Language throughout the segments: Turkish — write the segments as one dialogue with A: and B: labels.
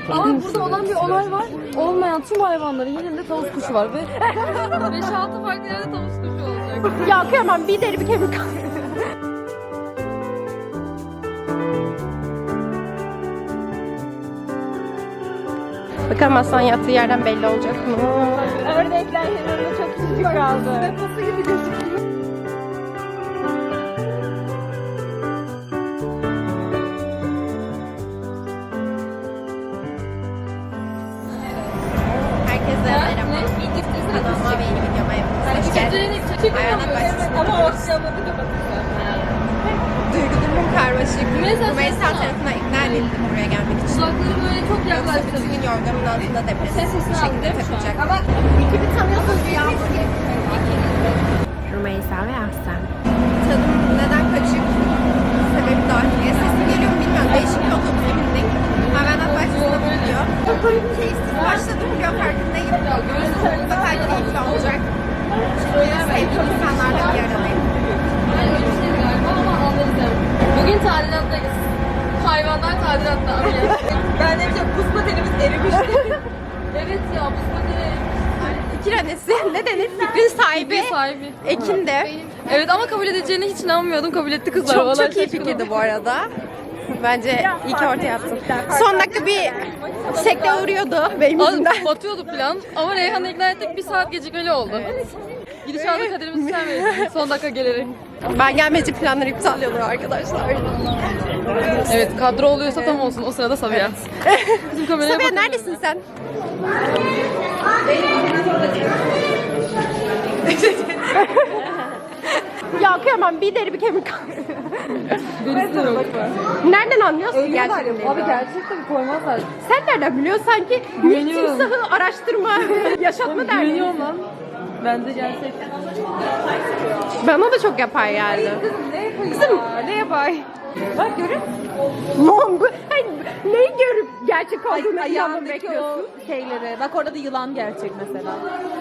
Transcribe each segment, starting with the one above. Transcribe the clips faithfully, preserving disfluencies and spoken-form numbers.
A: Ama burada olan bir olay var. Olmayan tüm hayvanların yerinde tavus kuşu var ve beş altı farklı yerde tavus kuşu olacak.
B: Ya kıyamam, bir deri bir kemik. Bakalım aslan yattığı yerden belli olacak mı? Ördekler yanında çok küçücük kaldı. Deposu gibi gözüküyor. Herkese merhaba. Kanalıma ve yeni videoma hepiniz hoş geldiniz. Hayvanat bahçesinde duygu durumum karmaşık. Rümeysa tarafından ikna edildim buraya gelmek için.
A: Kulakları böyle çok
B: Yoksa
A: yaklaştı.
B: bütün gün yorganın altında depresif bir şekilde takılacak. İkini tanıyorsunuz ya. Rümeysa ve Aslan. Tadım neden kaçık? Sebebi dahiliye. Sesim geliyor mu bilmiyorum. Değişik bir otobüse bindik. Hayvanat bahçesine gidiyor. Keyifsiz başladım biliyor, farkındayım. Mutlaka keyifli olacak. Çünkü sevdiğim insanlarla bir aradayım.
A: Bugün tadilattayız. Hayvanlar tadilatta.
B: Ben de çok buz patenimiz erimişti.
A: Evet ya buz pateni.
B: Fikir annesi ne denir? Fikrin sahibi.
A: Bir sahibi.
B: Ekin de.
A: Evet ama kabul edeceğine hiç inanmıyordum. Kabul etti kızlar.
B: Çok
A: Vallahi
B: çok iyi
A: şaşkınım.
B: fikirdi bu arada. Bence iyi ki ortaya attım. Son dakika bir sekte uğruyordu benim yüzümden.
A: Az batıyordu plan ama Reyhan'ı ikna ettik, bir saat gecikmeli oldu. Evet. Gidişatı kaderimizi sen verirsin son dakika gelerek.
B: Ben gelmeci planları iptal oluyor arkadaşlar.
A: Evet, kadro oluyorsa tam olsun, o sırada Sabiha. Bizim kameraya
B: Sabiha
A: bakalım.
B: neredesin sen? Ya kıyamam, bir deri bir kemik.
A: Birisi de yok.
B: Nereden anlıyorsun ki gerçekten?
A: Abi gerçekten koymazlar.
B: Sen nereden biliyorsun sanki?
A: Güveniyorum.
B: Timsahı araştırma, yaşatma derdi.
A: Güveniyorum lan. Bence gerçek.
B: Bana da çok yapar yani.
A: Ne yapayım
B: Kızım,
A: ya? Ne yapayım?
B: Bak görün. Lan bu, hayır, neyi görüp gerçek olduğunu inanmamı
A: Ayağındaki
B: bekliyorsun?
A: o şeyleri. Bak orada da yılan gerçek mesela.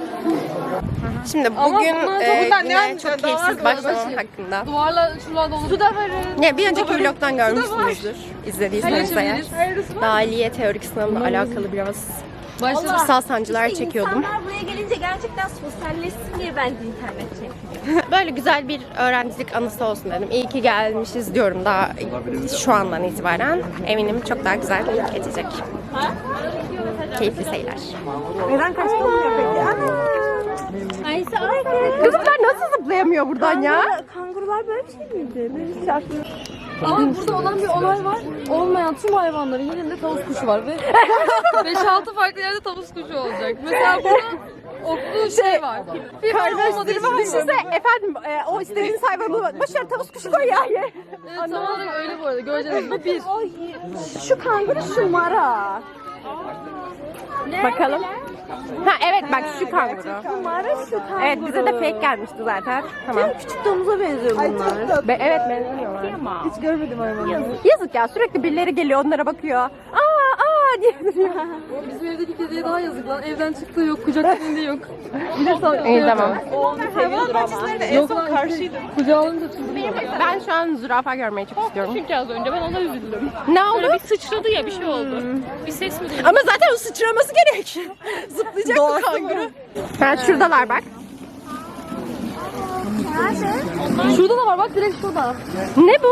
B: Şimdi
A: Ama
B: bugün
A: bunlar
B: e,
A: çok- bunlar ne
B: yine
A: anlatıyor?
B: çok
A: Daha
B: keyifsiz
A: var
B: başlamam
A: başı.
B: hakkında.
A: Duvarla şuralarda olur. Su da varın.
B: Ya bir önceki vlogdan görmüşsünüzdür. İzlediyseniz eğer. Dahiliye teorik sınavla alakalı biraz kırsal sancılar çekiyordum.
C: İnsanlar buraya gelince gerçekten sosyalleşsin diye bence internet çektim.
B: Böyle güzel bir öğrencilik anısı olsun dedim. İyi ki gelmişiz diyorum daha şu andan itibaren. Eminim çok daha güzel geçecek. Keyifli seyirler.
C: Neden kaçtamıyor peki? Ayşe ay
B: Kızlar nasıl zıplayamıyor buradan ya?
C: kangurular böyle bir şey miydi? Ben hiç aklım.
A: Ama burada olan bir olay var. Olmayan tüm hayvanların yerinde tavus kuşu var ve beş altı farklı yerde tavus kuşu olacak. Mesela burada oklu şey var. Bir var olmadığı için
B: Düşünse efendim e, o istediğiniz hayvanı başarı tavus kuşu koy ya.
A: Evet, tam olarak öyle bu arada. Göreceğiz. Bu bir.
B: Şu kanguru şu mara. Bakalım. Ha evet bak şu kanguru.
C: Mara şu kanguru.
B: Evet bize de fake gelmişti zaten. Tamam.
C: Küçük domuza benziyor bunlar.
B: Be evet benziyorlar.
C: Hiç görmedim hayvanı.
B: Yazık. Yazık ya sürekli birileri geliyor onlara bakıyor. Aa aa diye duruyor.
A: Bizim evdeki kediye daha yazık lan. Evden çıktığı yok. Kucak elinde yok. Bir de sağ
B: İyi tamam.
C: Onu seviyordur ama.
A: Yok lan karşıydım. Kucağı alınca çıldırıyor.
B: Ben şu an zürafa görmeyi çok istiyorum.
D: Çünkü az önce ben ona üzüldüm.
B: Ne oldu?
D: Böyle bir sıçradı ya bir şey oldu. Bir ses mi duydun?
B: Ama zaten o sıçraması gerek. Zıplayacak bu kanguru. Ha şuradalar bak.
A: Şurada da var bak, direkt şurada.
B: Ne bu?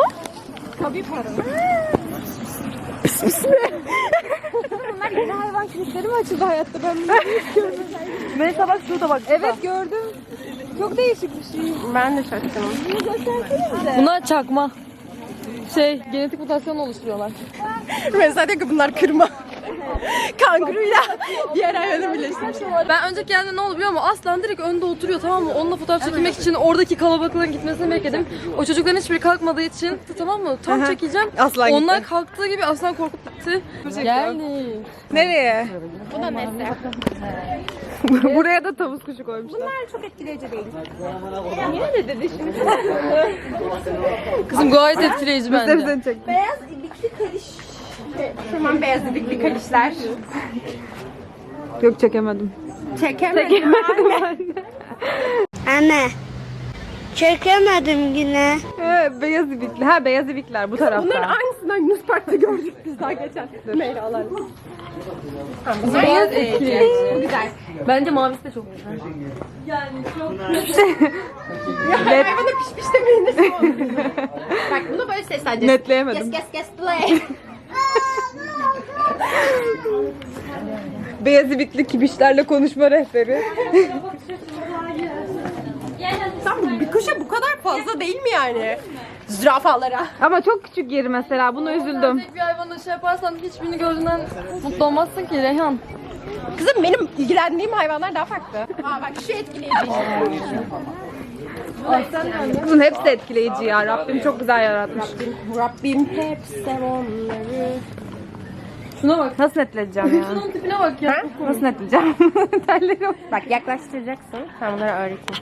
C: Bunlar yeni hayvan klinikleri mi açıldı hayatta? Ben bunu hiç görmedim. Mesela bak şurada bak.
A: Evet gördüm.
C: Çok değişik bir şey.
B: Ben de şaşkınım.
A: Bunlar çakma. Şey, genetik mutasyon oluşturuyorlar.
B: Mesela diyor ki bunlar kırma. Kanguruyla diğer hayvanı birleştirmiş.
A: Ben önceki yerde ne oldu biliyor musun? Aslan direkt önde oturuyor, tamam mı? Onunla fotoğraf çekilmek için oradaki kalabalıkların gitmesini bekledim. O çocukların hiçbiri kalkmadığı için, tamam mı? Tam çekeceğim.
B: Aslan
A: Onlar
B: gitti.
A: kalktığı gibi aslan korkup gitti. Geldi.
B: Nereye?
D: Bu da nesi?
B: Buraya da tavus kuşu koymuşlar.
C: Bunlar çok etkileyici değil.
A: Kızım gayet etkileyici bence.
C: Beyaz ibikli kariş.
B: Şuradan beyaz ibikli kalişler.
A: Yok çekemedim.
B: Çekemedim.
C: Anne. Çekemedim yine.
E: Evet, beyaz ibikli. Ha beyaz ibikler bu tarafta.
B: Bunların aynısından Yunus Park'ta gördük biz daha geçen. Meyralar.
A: Beyaz etkileyici.
B: Bu güzel.
A: Bence mavisi de çok güzel.
B: Ya hayvana piş piş demeyin de şey olur. Bak bunu böyle sesleneceğiz.
C: Netleyemedim.
B: Kes kes kes play.
C: Beyaz ibikli kibişlerle konuşma rehberi.
B: Tam bir kuşa bu kadar fazla değil mi yani? Zürafalara.
C: Ama çok küçük yeri mesela. Buna üzüldüm.
A: Tek bir hayvanla şey yaparsan hiçbirini gördüğünden mutlu olmazsın ki Reyhan.
B: Kızım benim ilgilendiğim hayvanlar daha farklı. Aa bak şu etkileyici.
C: Kızın hepsi etkileyici ya. Rabbim çok güzel yaratmış.
B: Rabbim hep sev onları.
A: Şuna bak.
C: Nasıl netleyeceğim ya?
A: Şunun tipine bak ya.
C: Nasıl netleyeceğim? Telleri yok.
B: Bak yaklaştıracaksın. Ben bunları öğreteyim.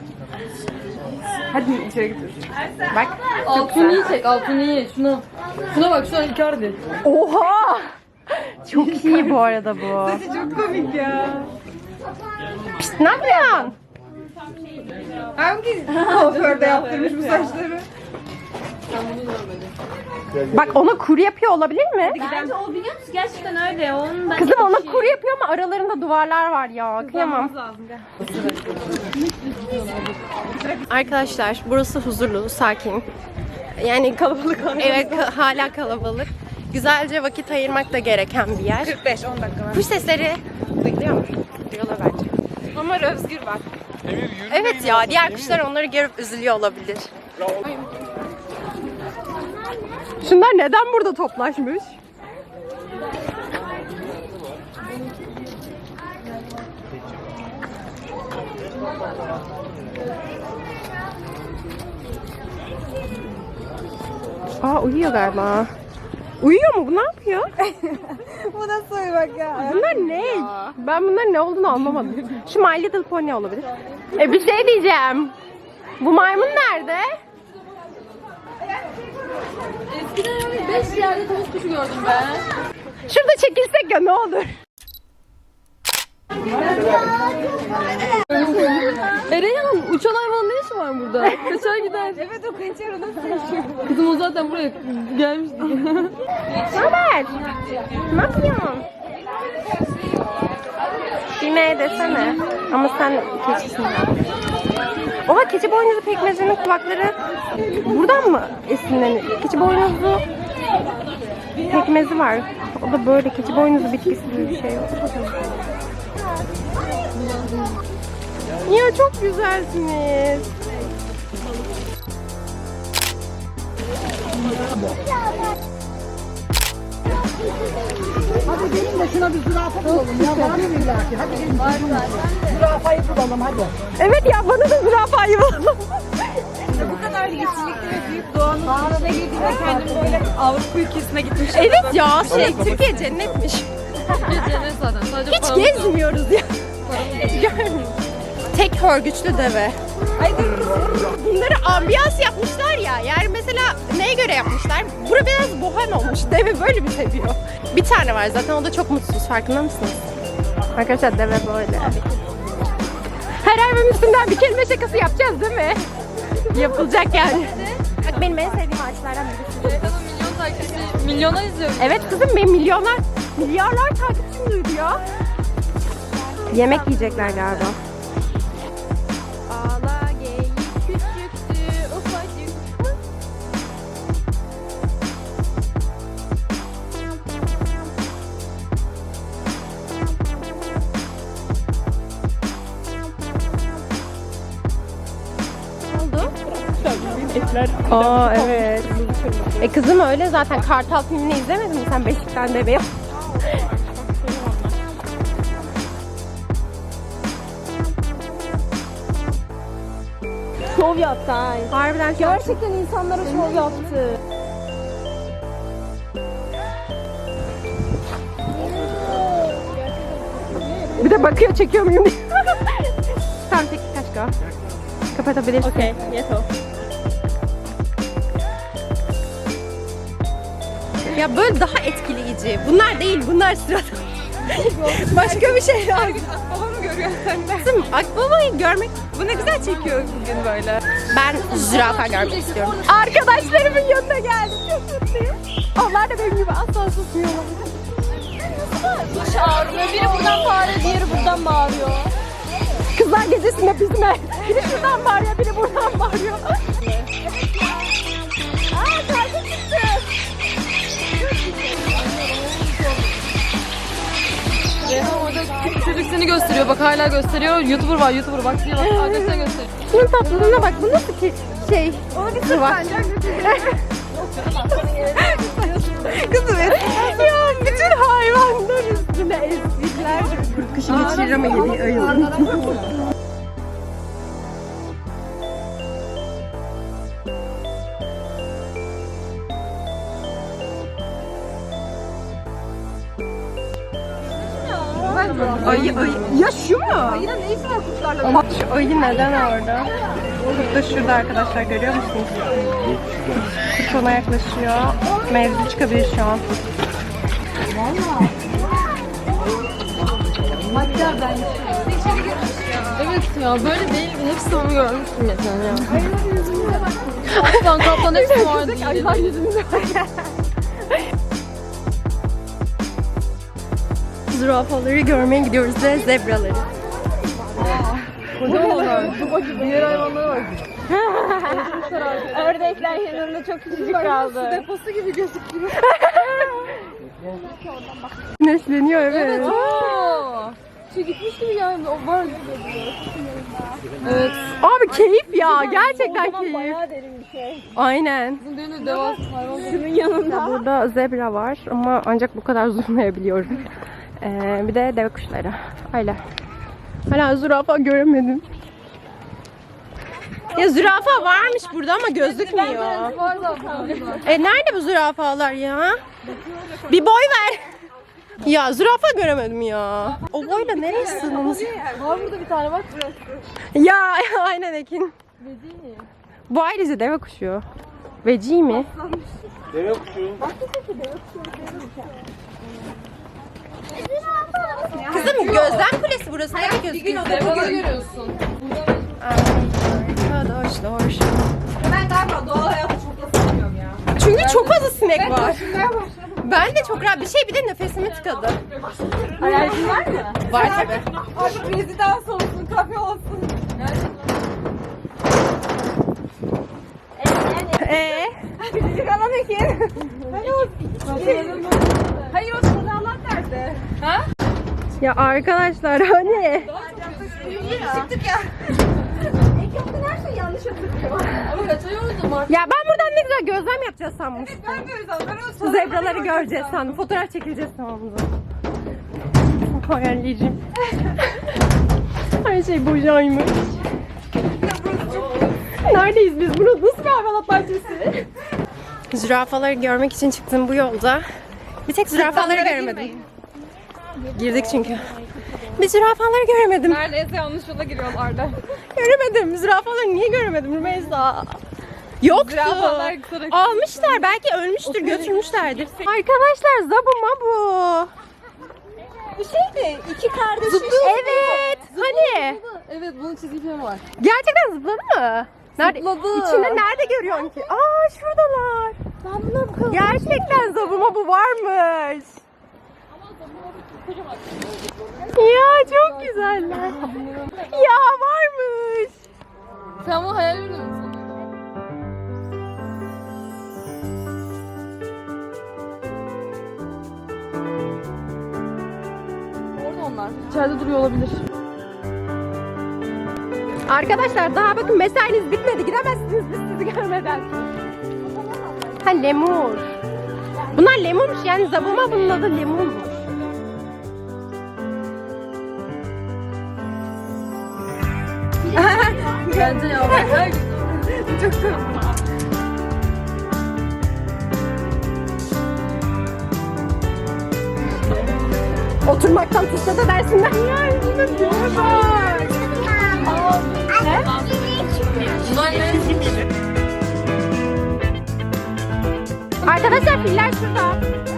C: Hadi içeri götür.
B: Bak.
A: Altını iyi çek, altını iyi. Şuna. Şuna bak, şuna Icardi.
B: Oha! Çok iyi bu arada bu.
C: Çok komik ya.
B: Pişt, ne yapıyorsun?
C: Hangi kuaförde yaptırmış bu saçları?
B: Bak ona kuru yapıyor olabilir mi?
D: Bence o biliyor musun? Gerçekten öyle. Onun ben
B: Kızım ona kuru yapıyor ama aralarında duvarlar var ya. Kıyamam. Arkadaşlar burası huzurlu, sakin. Yani kalabalık. Evet ka- hala kalabalık. Güzelce vakit ayırmak da gereken bir yer.
C: kırk beş on dakika var.
B: Kuş sesleri duyuluyor mu? Duyuyorlar bence.
C: Ama Özgür var.
B: Evet ya diğer kuşlar onları görüp üzülüyor olabilir. Şunlar neden burada toplaşmış? Aa uyuyor galiba. Uyuyor mu? Bu ne yapıyor?
C: Bu nasıl uyumak ya?
B: Bunlar ne? Ben bunların ne olduğunu anlamadım. Şu My Little Pony olabilir. E bir şey diyeceğim. Bu maymun nerede?
A: Eskiden beş yerde tavus kuşu gördüm ben.
B: Şurada çekilsek ya ne olur.
A: E Reyhan, uçan hayvan ne işi var burada? Kaçar gider.
C: Evet o kaçar o nasıl yaşıyor?
A: Kızım o zaten buraya gelmişti.
B: Ne haber? Ne yapıyorsun? Düğmeye desene. Ama sen keçisin ya. Oha keçi boynuzu pekmezinin kulakları buradan mı esinleniyor? Keçi boynuzu pekmezi var. O da böyle keçi boynuzu bitkisi gibi bir şey. Ya çok güzelsiniz.
E: Hadi gelin de şuna bir zürafa bulalım ya. Var mı illaki? Hadi gelin. Var var. Zürafayı bulalım hadi.
B: Evet ya bana da zürafayı bulalım.
C: Bu kadar yeşillikli ve büyük doğanın içine girdiğimde kendim böyle Avrupa ülkesine gitmiş.
B: Evet ya şey Türkiye cennetmiş.
A: Cennet zaten. Sadece
B: Hiç
A: paramız yok.
B: gezmiyoruz ya. Görmüyorum. Tek hörgüçlü deve. Bunları ambiyans yapmışlar ya. Yani mesela neye göre yapmışlar? Bura biraz bohem olmuş. Deve böyle mi seviyor? Bir tane var zaten o da çok mutsuz. Farkında mısınız? Arkadaşlar deve böyle. Her hayvanın üstünden bir kelime şakası yapacağız değil mi? Yapılacak yani. Bak benim en sevdiğim ağaçlardan birisi.
A: Reyhan'ın milyon takipçisi, milyona izliyor.
B: Evet kızım benim milyonlar, milyarlar takipçim duydu ya. Yemek yiyecekler galiba. Ağla geyik küçüktü ufacık. Ne oldu? Etler. Aa evet. E kızım öyle zaten Kartal filmini izlemedin mi sen Beşik'ten bebeğim?
C: Şov yaptı ay.
B: Harbiden çok...
C: Gerçekten insanlara şov yaptı.
B: Bir de bakıyor çekiyor muyum diye. Tamam tek kaç go. Kapatabilirsin.
C: Okey, yeto.
B: Ya böyle daha etkileyici. Bunlar değil, bunlar sıradan. Başka bir şey lazım.
C: Akbaba mı görüyorsun sen de?
B: Kızım akbabayı görmek...
C: Bu ne güzel çekiyor bugün böyle.
B: Ben zürafa görmek istiyorum. Arkadaşlarımın yanına geldim. Çok mutluyum.
C: Onlar da benim gibi asla susmuyorlar.
D: Başı ağrıyor. Biri buradan bağırıyor, diğeri buradan bağırıyor.
C: Kızlar gecesinde bizime. Biri şuradan bağırıyor, biri buradan bağırıyor. Aa şarkı çıktı.
A: Reyhan orada çocuk seni gösteriyor. Bak hala gösteriyor. YouTuber var, YouTuber. Bak diye bak. Arkadaşlar gösteriyor.
C: Şunun tatlılığına bak. Bu nasıl ki şey? Onu bir sır bak. Kızım ya bütün hayvanlar üstüne ezikler. Kurt kışı geçirir ama yedi ayılır. Ayı ayı. Ya şu mu? Ayının ne işi var kuşlarla? Şu ayı neden orada? Kurt da şurada arkadaşlar, görüyor musunuz? Kurt ona yaklaşıyor. Mevzu çıkabilir şu an.
A: Evet ya böyle değildi. Hepsini onu görmüştüm geçen ya. Aslan kaplan hepsi vardı.
C: Ayılar yüzümüzde. Zürafaları görmeye gidiyoruz ve zebraları.
A: Kocamanlar. Diğer hayvanlara bak.
C: Ördekler yanında çok küçücük kaldı.
A: Deposu gibi gözüküyor.
C: Güneşleniyor evet.
A: Aa, şey gitmiş gibi yani. O var. Evet.
C: Abi keyif ya, gerçekten keyif.
E: Bayağı derin bir şey.
C: Aynen.
A: Bizim düğünü devasa hayvan.
E: Şunun yanında.
C: Burada zebra var ama ancak bu kadar zoomlayabiliyorum. Ee, bir de deve kuşları. Öyle. Hala zürafa göremedim. Ya zürafa varmış burada ama gözükmüyor.
A: Var zaten.
C: E nerede bu zürafalar ya? Bir boy ver. Ya zürafa göremedim ya. O boyla nereye sığdınız?
A: Var burada bir tane bak.
C: Ya aynen Ekin. Bu ayrıca deve kuşu. Veci mi?
F: Deve kuşu.
C: Kızım gözlem kulesi burası. Nereye gözüküyor?
A: Devaları görüyorsun.
C: Arkadaşlar.
B: Ben galiba doğal hayatı çok da sevmiyorum ya.
C: Çünkü çok fazla sinek var. Ben de çok rahat bir şey, bir de nefesimi tıkadı.
B: Alerjin var mı?
C: Var tabi.
B: Artık rezidans olsun, kafe olsun.
C: Ee?
B: Küçücük alan Ekin. Hayır o sırdalar nerede?
C: Ya arkadaşlar hani?
B: Çıktık ya. Ekin her şeyi yanlış hatırlıyor.
A: Ama kaçıyordum artık.
C: Ya ben buradan ne güzel gözlem yapacağız sanmıştım.
B: Ben böyle zaten
C: Zebraları göreceğiz sandım. Fotoğraf çekileceğiz sandım. Hayalleyeceğim. Her şey bocaymış. Neredeyiz biz? Burası nasıl bir hayvanat bahçesi? Zürafaları görmek için çıktım bu yolda. Bir tek zürafaları göremedim. Girdik çünkü. Bir zürafaları göremedim.
A: Neredeyse yanlış yola giriyorlardı.
C: Göremedim. Zürafaları niye göremedim Rümeysa? Yoktu.
A: Zürafalar kısarak-
C: Almışlar. Belki ölmüştür, götürmüşlerdir. Arkadaşlar zabuma bu.
E: Bu şey mi? İki kardeş.
C: Evet. Hani?
A: Evet bunun çizgi filmi var.
C: Gerçekten zıpladı mı? Nerede?
A: Zıpladı.
C: İçinde nerede görüyorsun ki? Aa şuradalar.
E: Ben buna bu kadar.
C: Gerçekten zabuma bu varmış. Ya çok güzeller. Ya varmış.
A: Sen bunu hayal ediyor musun? Orada onlar. İçeride duruyor olabilir.
C: Arkadaşlar daha bakın mesainiz bitmedi. Gidemezsiniz biz sizi görmeden. Ha lemur. Bunlar lemurmuş yani zabuma bunun adı lemurmuş.
A: Bence ya. Her Çok sevdim.
C: Oturmaktan tuşla da dersinden. Yani arkadaşlar filler şurada.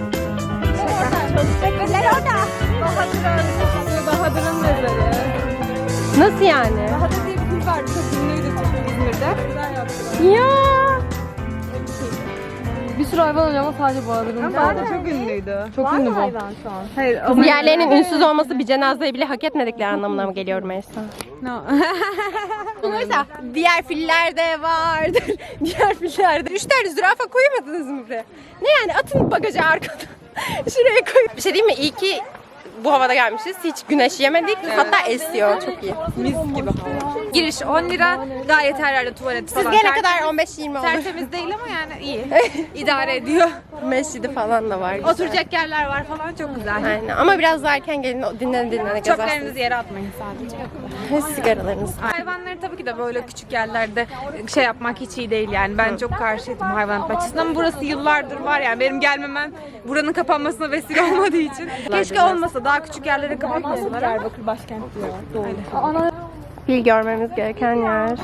C: Filler orada.
A: Bahadır'ın, Bahadır'ın mezarı.
C: Nasıl yani?
A: Bahadır diye bir film vardı. Çok ünlüydü İzmir'de. Güzel yaptılar.
C: Ya.
A: Bir sürü hayvan oluyor ama sadece Bahadır'ın.
C: Bahadır çok ünlüydü.
A: Çok ünlü bu.
C: Hayır ama diğerlerinin ünsüz olması bir cenazeyi bile hak etmedikleri anlamına mı geliyor Meysa?
D: No.
C: Mesela diğer filler de vardır. Diğer filler de. Üç tane zürafa koymadınız mı buraya? Ne yani atın bagajı arkada. Şuraya koy. Bir şey diyeyim mi? İyi ki bu havada gelmişiz. Hiç güneş yemedik. Hatta esiyor. Çok iyi.
D: Mis gibi. Giriş on lira. Gayet her yerde tuvalet falan.
C: Siz gelene
D: Ter-
C: kadar on beş yirmi olur.
D: Tertemiz değil ama yani iyi. İdare ediyor.
C: Mescidi falan da var. Güzel.
D: Oturacak yerler var falan çok güzel.
C: Aynen. Ama biraz daha erken gelin, dinlene dinlene gezersiniz.
D: Çöplerinizi yere atmayın sadece.
C: Sigaralarınızı.
D: Hayvanları tabii ki de böyle küçük yerlerde şey yapmak hiç iyi değil yani. Ben çok karşıydım hayvanat bahçesine ama burası yıllardır var yani. Benim gelmemem buranın kapanmasına vesile olmadığı için. Keşke olmasa, daha küçük yerleri kapatmasalar ama.
A: Diyarbakır başkent diyor. Doğru. Ana
C: Fil görmemiz gereken yer.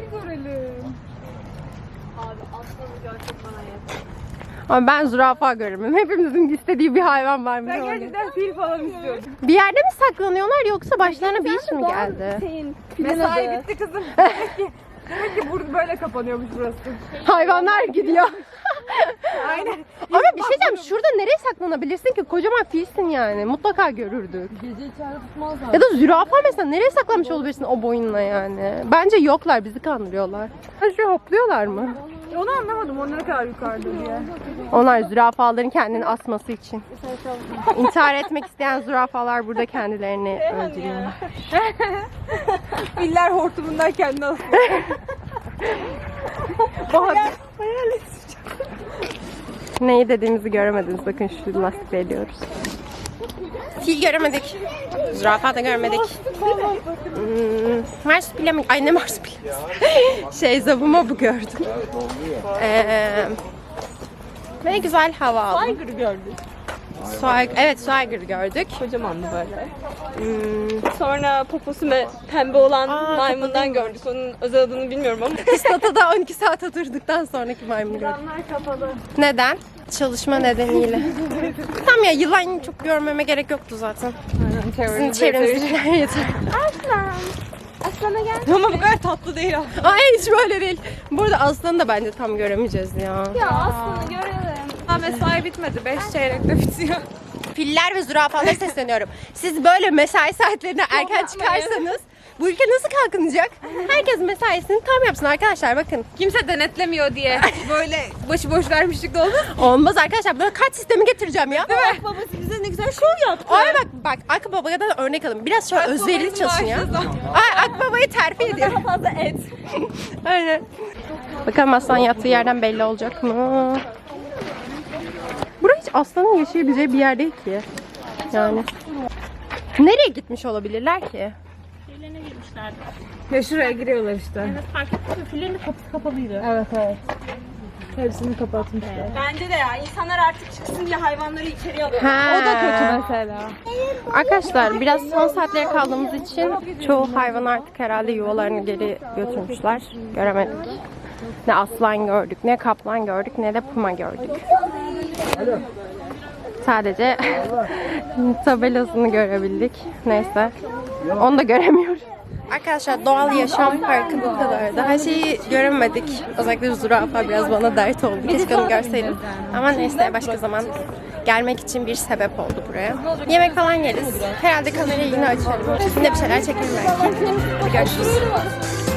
C: Ama ben zürafa görürüm. Hepimizin istediği bir hayvan var mı? Ben
A: gerçekten fil falan istiyorum.
C: Bir yerde mi saklanıyorlar yoksa başlarına bir iş mi geldi?
A: Mesai bitti kızım. Demek ki burada böyle kapanıyormuş burası.
C: Hayvanlar gidiyor. Aynen. Ama bir şey diyeceğim, şurada nereye saklanabilirsin ki? Kocaman filsin yani. Mutlaka görürdük.
A: Gece içeride tutmazlar.
C: Ya da zürafa mesela nereye saklanmış olabilirsin o boyunla yani? Bence yoklar, bizi kandırıyorlar. Ha, şu hopluyorlar mı?
A: Onu anlamadım. O ne kadar yukarıda diye.
C: Onlar zürafaların kendini asması için. İntihar etmek isteyen zürafalar burada kendilerini öldürüyorlar.
A: Filler hortumundan kendini asıyor.
C: Neyi dediğimizi göremediniz. Bakın şu lastikle ediyoruz. Fil göremedik. Zürafa da görmedik. Hmm, marsupilami mi? Ay ne marsupilami? şey zabuma bu gördüm. Ee, ve güzel hava aldım.
A: Tiger gördük.
C: Suaygır, evet Suaygır gördük.
A: Kocamandı böyle.
C: Hmm,
A: Sonra poposu ve pembe olan
C: Aa,
A: maymundan gördük. Onun özel adını bilmiyorum ama.
C: Islatada on iki saat oturduktan sonraki maymunu gördük.
A: kapalı.
C: Neden? Çalışma nedeniyle. Tamam ya, yılan çok görmeme gerek yoktu zaten. Sizin çevrenizdekiler yeter.
D: Aslana gel.
A: Ama bu kadar tatlı değil o.
C: Ay hiç böyle değil. Burada aslanı da bence tam göremeyeceğiz ya.
D: Ya aslında görelim.
A: Ha, mesai bitmedi. Beş çeyrekte bitiyor.
C: Filler ve zürafalara sesleniyorum. Siz böyle mesai saatlerine erken çıkarsanız bu ülke nasıl kalkınacak? Herkes mesaisini tam yapsın arkadaşlar, bakın.
A: Kimse denetlemiyor diye böyle başıboş vermişlik de oldu.
C: Olmaz arkadaşlar, buna kaç sistemi getireceğim ya. Değil mi?
A: Babası bize ne güzel şov yaptı.
C: Ay bak bak Akbaba'ya da örnek alın. Biraz şöyle özverili çalışın ya. Ay Akbaba'yı terfi ediyorum.
A: Fazla et.
C: Aynen. Bakalım aslan yattığı yerden belli olacak mı? Burası hiç aslanın yaşayabileceği bir yer değil ki. Yani. Nereye gitmiş olabilirler ki?
A: Ya şuraya giriyorlar işte.
D: Fillerin de kapısı kapalıydı.
A: Evet evet. Hepsini kapatmışlar.
D: Bence de ya. İnsanlar artık çıksın diye hayvanları içeriye alıyor.
C: Ha.
A: O da kötü mesela.
C: Arkadaşlar biraz son saatlere kaldığımız için çoğu hayvan artık herhalde yuvalarını geri götürmüşler. Göremedik. Ne aslan gördük, ne kaplan gördük, ne de puma gördük. Sadece tabelasını görebildik. Neyse. Onu da göremiyoruz. Arkadaşlar doğal yaşam parkı bu kadardı. Her şeyi göremedik. Özellikle zürafa biraz bana dert oldu. Keşke onu görseydim. Ama neyse başka zaman gelmek için bir sebep oldu buraya. Yemek falan yeriz. Herhalde kamerayı yine açarım. Yine bir şeyler çekerim belki. Görüşürüz.